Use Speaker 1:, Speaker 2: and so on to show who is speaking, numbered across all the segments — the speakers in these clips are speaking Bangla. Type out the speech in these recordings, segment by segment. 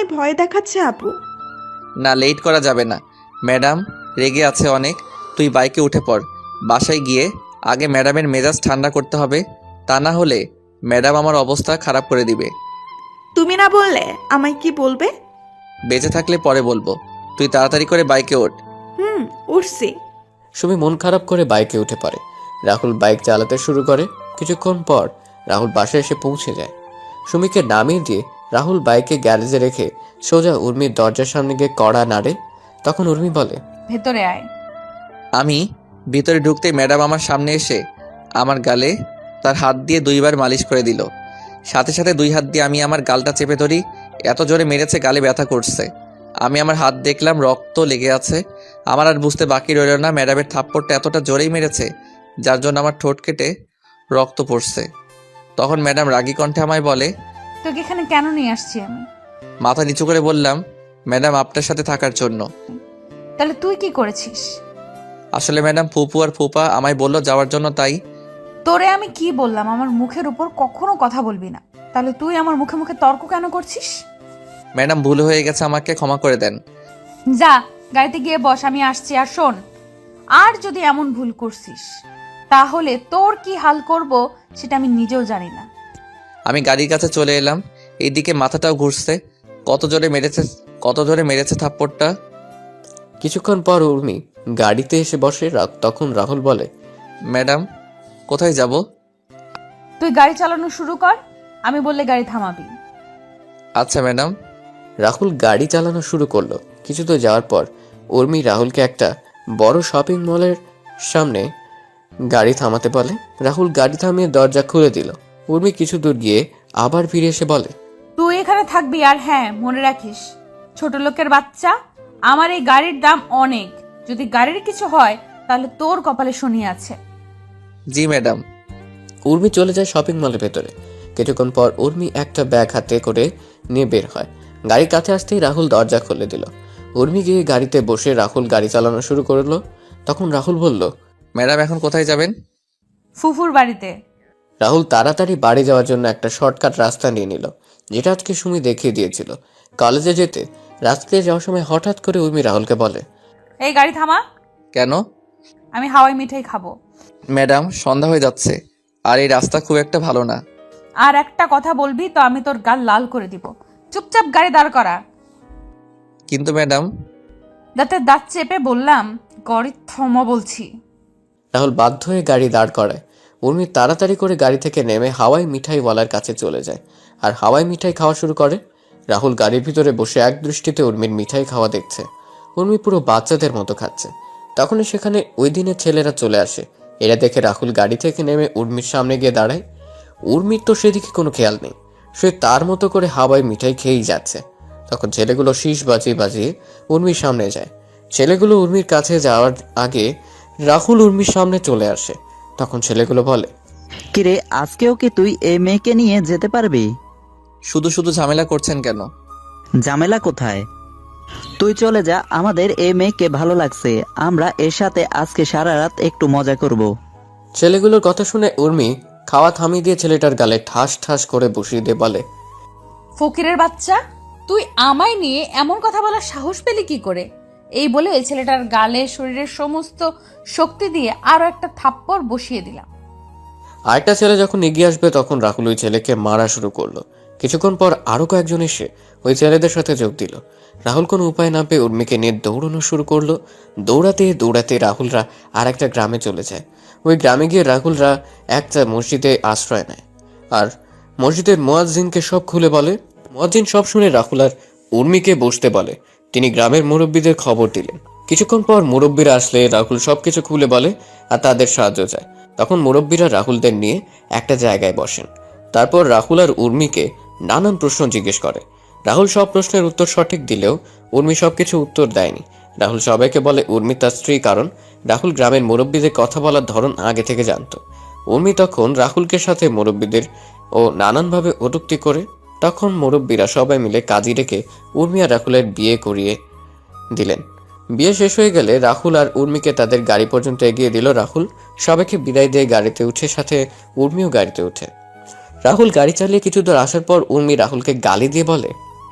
Speaker 1: আমায় ভয় দেখাচ্ছে আপু।
Speaker 2: না, লেট করা যাবে না। ম্যাডাম রেগে আছে অনেক। তুই বাইকে উঠে পড়। বাসায় গিয়ে আগে ম্যাডামের মেজাজ ঠান্ডা করতে হবে, তা না হলে ম্যাডাম আমার অবস্থা খারাপ করে দিবে।
Speaker 1: তুমি না বললে আমায় কি বলবে?
Speaker 2: বেঁচে থাকলে পরে বলবো। তুই তাড়াতাড়ি করে বাইকে ওঠ।
Speaker 1: উঠছি।
Speaker 3: সুমি মন খারাপ করে বাইকে উঠে পড়ে। রাহুল বাইক চালাতে শুরু করে। কিছুক্ষণ পর রাহুল বাসায় এসে পৌঁছে যায়। সুমিকে নামিয়ে দিয়ে রাহুল বাইকে গ্যারেজে রেখে সোজা উর্মির দরজার সামনে গিয়ে কড়া নাড়ে। তখন উর্মি বলে,
Speaker 4: ভেতরে আয়।
Speaker 2: আমি ভিতরে ঢুকতে ম্যাডাম আমার সামনে এসে আমার গালে তার হাত দিয়ে 2বার মালিশ করে দিল। সাথে সাথে 2 হাত দিয়ে আমি আমার গালটা চেপে ধরি। এত জোরে মেরেছে, গালে ব্যথা করছে। আমি আমার হাত দেখলাম, রক্ত লেগে আছে। আমার আর বুঝতে বাকি রইল না ম্যাডামের থাপ্পড়টা এতটা জোরেই মেরেছে যার জন্য আমার ঠোঁট কেটে রক্ত পড়ছে। তখন ম্যাডাম রাগী কণ্ঠে আমায় বলে,
Speaker 4: তোকে এখানে কেন নিয়ে আসছি আমি?
Speaker 2: মাথা নিচু করে বললাম, ম্যাডাম আপনার সাথে থাকার জন্য।
Speaker 4: তাহলে তুই কি করেছিস?
Speaker 2: আসলে ম্যাডাম ফুপু আর ফুপা আমায় বলল যাওয়ার জন্য, তাই।
Speaker 4: তোরে আমি কি বললাম আমার মুখের উপর কখনো কথা বলবি না? তাহলে তুই আমার মুখে মুখে তর্ক কেন করছিস?
Speaker 2: ম্যাডাম ভুল হয়ে গেছে, আমাকে ক্ষমা করে দেন।
Speaker 4: যা গাড়িতে গিয়ে বস, আমি আসছি। আর শোন, আর যদি এমন ভুল করছিস তাহলে তোর কি হাল করব সেটা আমি নিজেও জানি না।
Speaker 2: আমি গাড়ির কাছে চলে এলাম। এইদিকে মাথাটাও ঘুরছে। কত জোরে মেরেছে থাপ্পড়টা।
Speaker 3: কিছুক্ষণ পর উর্মি গাড়িতে এসে বসে। তখন রাহুল বলে,
Speaker 2: ম্যাডাম কোথায় যাব?
Speaker 4: তুই গাড়ি চালানো শুরু কর, আমি বললে গাড়ি থামাবি।
Speaker 2: আচ্ছা ম্যাডাম।
Speaker 3: রাহুল গাড়ি চালানো শুরু করলো। কিছু তো যাওয়ার পর উর্মি রাহুলকে একটা বড় শপিং মলের সামনে গাড়ি থামাতে বলে। রাহুল গাড়ি থামিয়ে দরজা খুলে দিল। উর্মি কিছু দূর গিয়ে আবার ফিরে এসে বলে,
Speaker 4: তুই এখানে থাকবি, আর হ্যাঁ মনে রাখিস ছোট লোকের বাচ্চা, আমার এই গাড়ির দাম অনেক। যদি গাড়ির কিছু হয় তাহলে তোর কপালে শনি আছে।
Speaker 2: জি ম্যাডাম।
Speaker 3: উর্মি চলে যায় শপিং মলের ভেতরে। কিছুক্ষণ পর উর্মি একটা ব্যাগ হাতে করে নিয়ে বের হয়। গাড়ির কাছে আসতেই রাহুল দরজা খুলে দিল। উর্মি গিয়ে গাড়িতে বসে রাহুল গাড়ি চালানো শুরু করলো। তখন রাহুল বলল,
Speaker 2: ম্যাডাম এখন কোথায় যাবেন?
Speaker 4: ফুফুর বাড়িতে।
Speaker 3: রাহুল তাড়াতাড়ি বাড়ি যাওয়ার জন্য একটা শর্টকাট রাস্তা নিয়ে নিল, যেটা আজকে সুমি দেখিয়ে দিয়েছিল। কলেজে যেতে রাস্তায় যাওয়ার সময় হঠাৎ করে উর্মি রাহুলকে বলে,
Speaker 4: এই গাড়ি থামা।
Speaker 2: কেন?
Speaker 4: আমি হাওয়াই মিঠাই খাবো।
Speaker 2: ম্যাডাম সন্ধ্যা হয়ে যাচ্ছে, আর এই রাস্তা খুব একটা ভালো না।
Speaker 4: আর একটা কথা বলবি তো আমি তোর গাল লাল করে দিব। চুপচাপ গাড়ি দাঁড় করা।
Speaker 2: কিন্তু ম্যাডাম।
Speaker 4: দাঁতে দাঁত চেপে বললাম গাড়ি থামা বলছি।
Speaker 3: রাহুল বাধ্য হয়ে গাড়ি দাঁড় করায়। উর্মি তাড়াতাড়ি করে গাড়ি থেকে নেমে হাওয়াই মিঠাইওয়ালার কাছে চলে যায় আর হাওয়াই মিঠাই খাওয়া শুরু করে। রাহুল গাড়ির ভিতরে বসে এক দৃষ্টিতে উর্মির মিঠাই খাওয়া দেখছে। উর্মি পুরো বাচ্চাদের মতো খাচ্ছে। তখনই সেখানে ওই দিনের ছেলেরা চলে আসে। এরা দেখে রাহুল গাড়ি থেকে নেমে উর্মির সামনে গিয়ে দাঁড়ায়। উর্মির তো সেদিকে কোনো খেয়াল নেই, সে তার মতো করে হাওয়াই মিঠাই খেয়েই যাচ্ছে। তখন ছেলেগুলো শীষ বাজিয়ে বাজিয়ে উর্মির সামনে যায়। ছেলেগুলো উর্মির কাছে যাওয়ার আগে রাহুল উর্মির সামনে চলে আসে। তখন ছেলেগুলো বলে,
Speaker 5: কিরে, আজকেও কি তুই এই মেয়েকে নিয়ে যেতে পারবি?
Speaker 2: শুধু শুধু ঝামেলা করছেন কেন?
Speaker 5: ঝামেলা কোথায়? তুই চলে যা, আমাদের এই মেয়েকে ভালো লাগছে, আমরা এর সাথে আজকে সারা রাত একটু মজা করব।
Speaker 3: ছেলেগুলোর কথা শুনে উর্মি খাওয়া থামিয়ে দিয়ে ছেলেটার গালে ঠাস ঠাস করে বসিয়ে দিয়ে বলে,
Speaker 4: ফকিরের বাচ্চা, তুই আমায় নিয়ে এমন কথা বলার সাহস পেলি কি করে? এই বলে ওই ছেলেটার গালে শরীরের সমস্ত শক্তি দিয়ে আরো একটা থাপ্পড় বসিয়ে দিলাম।
Speaker 3: আরেকটা ছেলে যখন এগিয়ে আসবে তখন রাহুল ওই ছেলেকে মারা শুরু করলো। কিছুক্ষণ পর আরো কয়েকজন এসে ওই ছেলেদের সাথে যোগ দিল। রাহুল কোনো উপায় না পেয়ে উর্মিকে নিয়ে দৌড়ানো শুরু করলো। দৌড়াতে দৌড়াতে রাহুলরা আর একটা গ্রামে চলে যায়। ওই গ্রামে গিয়ে রাহুলরা একটা মসজিদে আশ্রয় নেয় আর মসজিদের মুয়াজ্জিনকে সব খুলে বলে। মুয়াজ্জিন সব শুনে রাহুল আর উর্মিকে বসতে বলে। তিনি গ্রামের মুরব্বীদের খবর দিলেন। কিছুক্ষণ পর মুরব্বীরা আসলে রাহুল সবকিছু খুলে বলে আর তাদের সাহায্য চায়। তখন মুরব্বীরা রাহুলদের নিয়ে একটা জায়গায় বসেন। তারপর রাহুল আর উর্মিকে নানান প্রশ্ন জিজ্ঞেস করে। রাহুল সব প্রশ্নের উত্তর সঠিক দিলেও উর্মি সবকিছু উত্তর দেয়নি। রাহুল সবাইকে বলে উর্মি তার স্ত্রী, কারণ রাহুল গ্রামের মুরব্বীদের কথা বলার ধরন আগে থেকে জানতো। উর্মি তখন রাহুলকে সাথে মুরব্বীদের ও নানানভাবে কটূক্তি করে। তখন মুরব্বীরা সবাই মিলে কাজী রেখে উর্মি আর রাহুলের বিয়ে করিয়ে দিলেন। বিয়ে শেষ হয়ে গেলে রাহুল আর উর্মিকে তাদের গাড়ি পর্যন্ত এগিয়ে দিল। রাহুল সবাইকে বিদায় দিয়ে গাড়িতে উঠে, সাথে উর্মিও গাড়িতে উঠে। রাহুল গাড়ি চালিয়ে কিছু দূর আসার পর উর্মি রাহুলকে গালি দিয়ে বলে,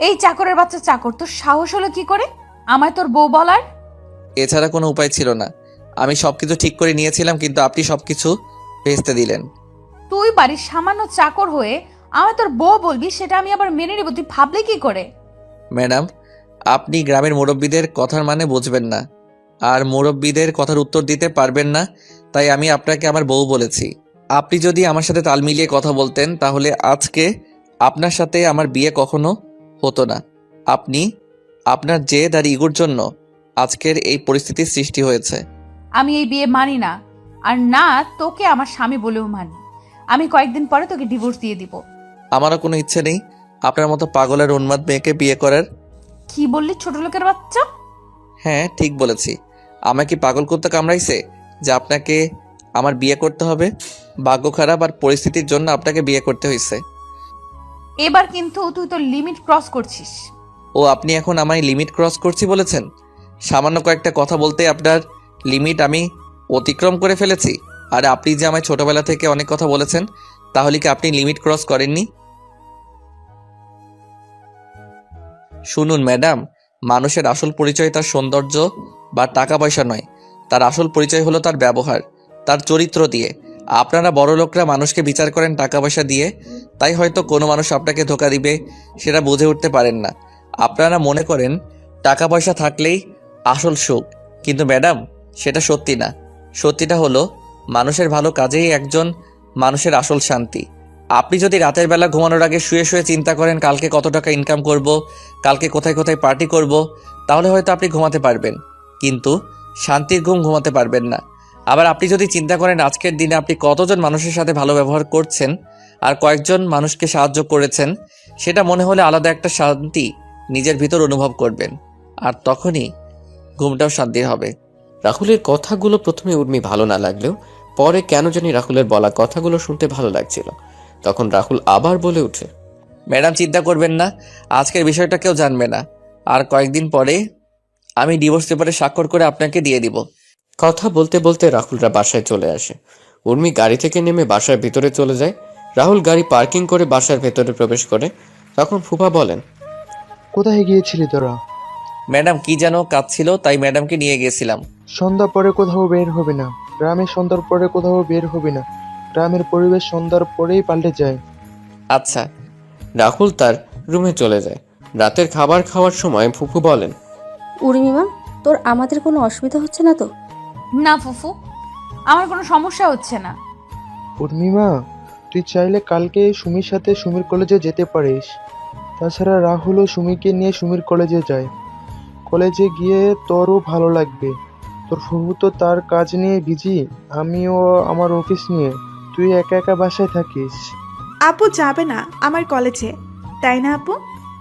Speaker 4: এই চাকরের বাচ্চা চাকর, তোর সাহস হলো কি করে আমায় তোর বউ বলার?
Speaker 2: এছাড়া কোনো উপায় ছিল না। আমি সবকিছু ঠিক করে নিয়েছিলাম, কিন্তু আপনি সবকিছু ভেস্তে দিলেন।
Speaker 4: তুই বাড়ির সামান্য চাকর হয়ে আমায় তোর বউ বলবি, সেটা আমি আবার মেনে নেব? তুই ভাবলি কি করে?
Speaker 2: ম্যাডাম, আপনি গ্রামের মুরব্বীদের কথার মানে বুঝবেন না, আর মুরব্বীদের কথার উত্তর দিতে পারবেন না, তাই আমি আপনাকে আমার বউ বলেছি। আপনি যদি আমার সাথে তাল মিলিয়ে কথা বলতেন, তাহলে আজকে আপনার সাথে আমার বিয়ে কখনো হতো না। আপনি আপনার জেদ আর ইগোর জন্য আজকের এই পরিস্থিতির সৃষ্টি হয়েছে।
Speaker 4: আমি এই বিয়ে মানি না, আর না তোকে আমার স্বামী বলেও মানি। আমি কয়েকদিন পরে তোকে ডিভোর্স দিয়ে দিব।
Speaker 2: আমারও কোনো ইচ্ছে নেই আপনার মতো পাগল আর উন্মাদ মেয়েকে বিয়ে করার।
Speaker 4: কি বললি ছোট লোকের বাচ্চা?
Speaker 2: হ্যাঁ, ঠিক বলেছি। আমাকে কি পাগল করতে কামড়াইছে যে আপনাকে আমার বিয়ে করতে হবে? ভাগ্য খারাপ আর পরিস্থিতির জন্য আপনাকে বিয়ে করতে হয়েছে।
Speaker 4: এবার কিন্তু তুই তোর লিমিট ক্রস করছিস।
Speaker 2: ও, আপনি এখন আমায় লিমিট ক্রস করছি বলেছেন? সামান্য কয়েকটা কথা বলতে আপনার লিমিট আমি অতিক্রম করে ফেলেছি? আর আপনি যে আমায় ছোটবেলা থেকে অনেক কথা বলেছেন, তাহলে কি আপনি লিমিট ক্রস করেননি? শুনুন ম্যাডাম, মানুষের আসল পরিচয় তার সৌন্দর্য বা টাকা পয়সা নয়, তার আসল পরিচয় হলো তার ব্যবহার, তার চরিত্র দিয়ে। আপনারা বড় লোকরা মানুষকে বিচার করেন টাকা পয়সা দিয়ে, তাই হয়তো কোনো মানুষ আপনাকে ধোঁকা দিবে সেটা বুঝে উঠতে পারেন না। আপনারা মনে করেন টাকা পয়সা থাকলেই আসল সুখ, কিন্তু ম্যাডাম সেটা সত্যি না। সত্যিটা হলো মানুষের ভালো কাজেই একজন মানুষের আসল শান্তি। আপনি যদি রাতের বেলা ঘুমানোর আগে শুয়ে শুয়ে চিন্তা করেন কালকে কত টাকা ইনকাম করব, কালকে কোথায় কোথায় পার্টি করব, তাহলে হয়তো আপনি ঘুমাতে পারবেন, কিন্তু শান্তির ঘুম ঘুমাতে পারবেন না। আবার আপনি যদি চিন্তা করেন আজকের দিনে আপনি কতজন মানুষের সাথে ভালো ব্যবহার করছেন আর কয়েকজন মানুষকে সাহায্য করেছেন, সেটা মনে হলে আলাদা একটা শান্তি নিজের ভিতর অনুভব করবেন, আর তখনই ঘুমটাও শান্তির হবে।
Speaker 3: রাহুলের কথাগুলো প্রথমে উর্মি ভালো না লাগলেও পরে কেন জানি রাহুলের বলা কথাগুলো শুনতে ভালো লাগছিল। তখন রাহুল আবার বলে ওঠে,
Speaker 2: ম্যাডাম চিন্তা করবেন না, আজকের বিষয়টা কেউ জানবে না, আর কয়েকদিন পরে আমি ডিভোর্স পেপারে স্বাক্ষর করে আপনাকে দিয়ে দিব।
Speaker 3: কথা বলতে বলতে রাহুলরা বাসায় চলে আসে। উর্মি গাড়ি থেকে নেমে বাসার ভিতরে চলে যায়। রাহুল গাড়ি পার্কিং করে বাসার ভেতরে প্রবেশ করে। তখন ফুফা বলেন,
Speaker 6: কোথায় গিয়েছিলি তোরা?
Speaker 2: ম্যাডাম কি যেন কাজ ছিল, তাই ম্যাডামকে নিয়ে গিয়েছিলাম।
Speaker 6: সন্ধ্যা পরে কোথাও বের হবে না, গ্রামে সন্ধ্যার পরে কোথাও বের হবে না। গ্রামের পরিবেশ সন্ধ্যার পরেই পাল্টে যায়।
Speaker 2: আচ্ছা।
Speaker 3: রাহুল তার রুমে চলে যায়। রাতের খাবার খাওয়ার সময় ফুফু বলেন,
Speaker 7: উর্মিমা, তোর আমাদের কোনো অসুবিধা হচ্ছে না তো?
Speaker 4: না ফুফু, আমার কোনো সমস্যা হচ্ছে না।
Speaker 6: উর্মিমা, তুই চাইলে কালকে সুমির সাথে সুমির কলেজে যেতে পারিস। তাছাড়া রাহুলও সুমিকে নিয়ে সুমির কলেজে যায়। কলেজে গিয়ে তোরও ভালো লাগবে। তোর ফুফু তো তার কাজ নিয়ে বিজি, আমিও আমার অফিস নিয়ে। তুই একা একা বাসায় থাকিস।
Speaker 1: আপু যাবে না আমার কলেজে, তাই না আপু?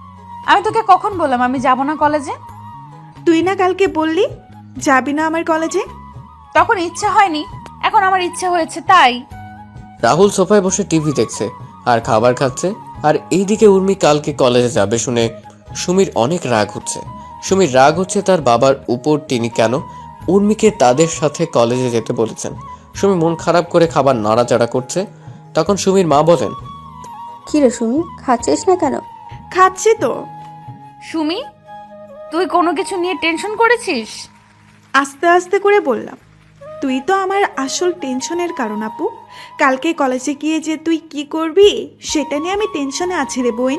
Speaker 4: আমি তোকে কখন বললাম আমি যাব না কলেজে?
Speaker 1: তুই না কালকে বললি যাবি না আমার কলেজে।
Speaker 4: তখন ইচ্ছে হয়নি, এখন আমার ইচ্ছে হয়েছে তাই।
Speaker 3: রাহুল সোফায় বসে টিভি দেখছে আর খাবার খাচ্ছে। আর এইদিকে উর্মি কালকে কলেজে যাবে শুনে সুমির অনেক রাগ হচ্ছে। সুমির রাগ হচ্ছে তার বাবার উপর, তিনি কেন উর্মিকে তাদের সাথে কলেজে যেতে বলেছেন। সুমি মন খারাপ করে খাবার নাড়াচাড়া করছে। তখন সুমির মা বলেন,
Speaker 7: কি রে সুমি, খাচ্ছিস না কেন?
Speaker 1: খাচ্ছি তো।
Speaker 4: সুমি, তুই কোনো কিছু নিয়ে টেনশন করেছিস?
Speaker 1: আস্তে আস্তে করে বললাম, তুই তো আমার আসল টেনশনের কারণ আপু। কালকে কলেজে গিয়ে যে তুই কি করবি সেটা নিয়ে আমি টেনশনে আছি রে বোন।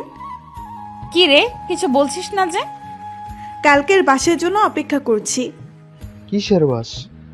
Speaker 4: কি রে, কিছু বলছিস না যে?
Speaker 1: কালকের বাসের জন্য অপেক্ষা করছি।
Speaker 6: কিসের বাস?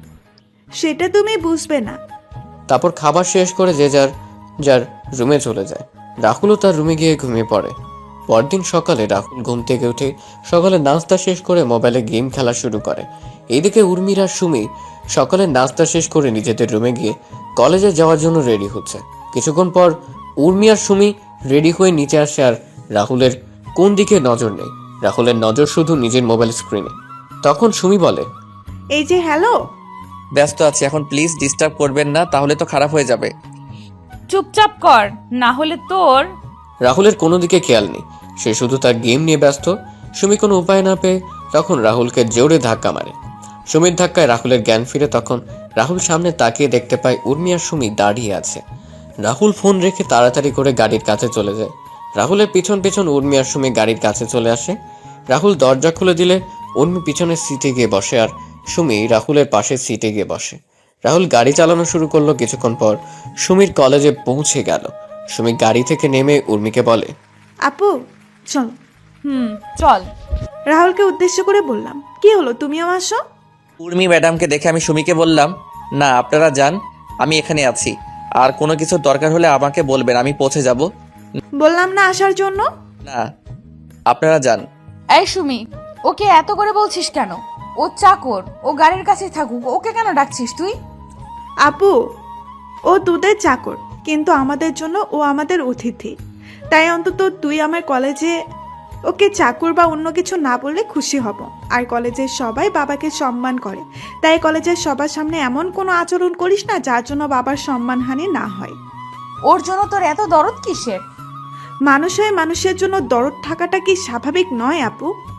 Speaker 1: সেটা তুমি বুঝবে না।
Speaker 3: তারপর খাবার শেষ করে যে যার যার রুমে চলে যায়। রাহুলও তার রুমে গিয়ে ঘুমিয়ে পড়ে। পরদিন সকালে রাহুল ঘুম থেকে উঠে সকালে নাস্তা শেষ করে মোবাইলে গেম খেলা শুরু করে। এইদিকে উর্মির আর সুমি সকালে নাস্তা শেষ করে নিজেদের রুমে গিয়ে কলেজে যাওয়ার জন্য রেডি হচ্ছে। কিছুক্ষণ পর উর্মি আর সুমি রেডি হয়ে নিচে আসে, আর রাহুলের কোন দিকে নজর নেই। রাহুলের নজর শুধু নিজের মোবাইল স্ক্রিনে। তখন সুমি বলে,
Speaker 1: এই যে হ্যালো।
Speaker 2: ব্যস্ত আছি এখন, প্লিজ ডিস্টার্ব করবেন না, তাহলে তো খারাপ হয়ে যাবে।
Speaker 4: চুপচাপ কর, না হলে তোর।
Speaker 3: রাহুলের কোনো দিকে খেয়াল নেই, সে শুধু তার গেম নিয়ে ব্যস্ত। সুমি কোনো উপায় না পেয়ে তখন রাহুলকে জোরে ধাক্কা মারে। সুমির ধাক্কায় রাহুলের জ্ঞান ফিরে। তখন রাহুল সামনে তাকিয়ে দেখতে পায় উর্মি আর সুমি দাঁড়িয়ে আছে। রাহুল ফোন রেখে তাড়াতাড়ি করে গাড়ির কাছে চলে যায়। রাহুলের পিছন পিছন উর্মি আর সুমি গাড়ির কাছে চলে আসে। রাহুল দরজা খুলে দিলে উর্মি পিছনের সিটে গিয়ে বসে আর সুমি রাহুলের পাশের সিটে গিয়ে বসে। রাহুল গাড়ি চালানো শুরু করলো। কিছুক্ষণ পর সুমির কলেজে পৌঁছে গেল। সুমি গাড়ি থেকে নেমে উর্মিকে বলে,
Speaker 1: আপু চল।
Speaker 4: চল।
Speaker 1: রাহুলকে উদ্দেশ্য করে বললাম, কি হলো তুমিও আসো?
Speaker 2: উর্মি ম্যাডামকে দেখে আমি সুমিকে বললাম, না আপনারা যান, আমি এখানে আছি। আর কোনো কিছুর দরকার হলে আমাকে বলবেন, আমি পৌঁছে যাব।
Speaker 1: বললাম না আসার জন্য।
Speaker 2: না আপনারা যান।
Speaker 4: এই সুমি, ওকে এত করে বলছিস কেন? ও চাকর, ও গাড়ির কাছে থাকুক, ওকে কেন ডাকছিস তুই?
Speaker 1: আপু ও তোদের চাকর, কিন্তু আমাদের জন্য ও আমাদের অতিথি। তাই অন্তত তুই আমার কলেজে ওকে চাকর বা অন্য কিছু না বললে খুশি হব। আর কলেজের সবাই বাবাকে সম্মান করে, তাই কলেজের সবার সামনে এমন কোনো আচরণ করিস না যার জন্য বাবার সম্মানহানি না হয়।
Speaker 4: ওর জন্য তোর এত দরদ কিসের?
Speaker 1: মানুষ হয়ে মানুষের জন্য দরদ থাকাটা কি স্বাভাবিক নয় আপু?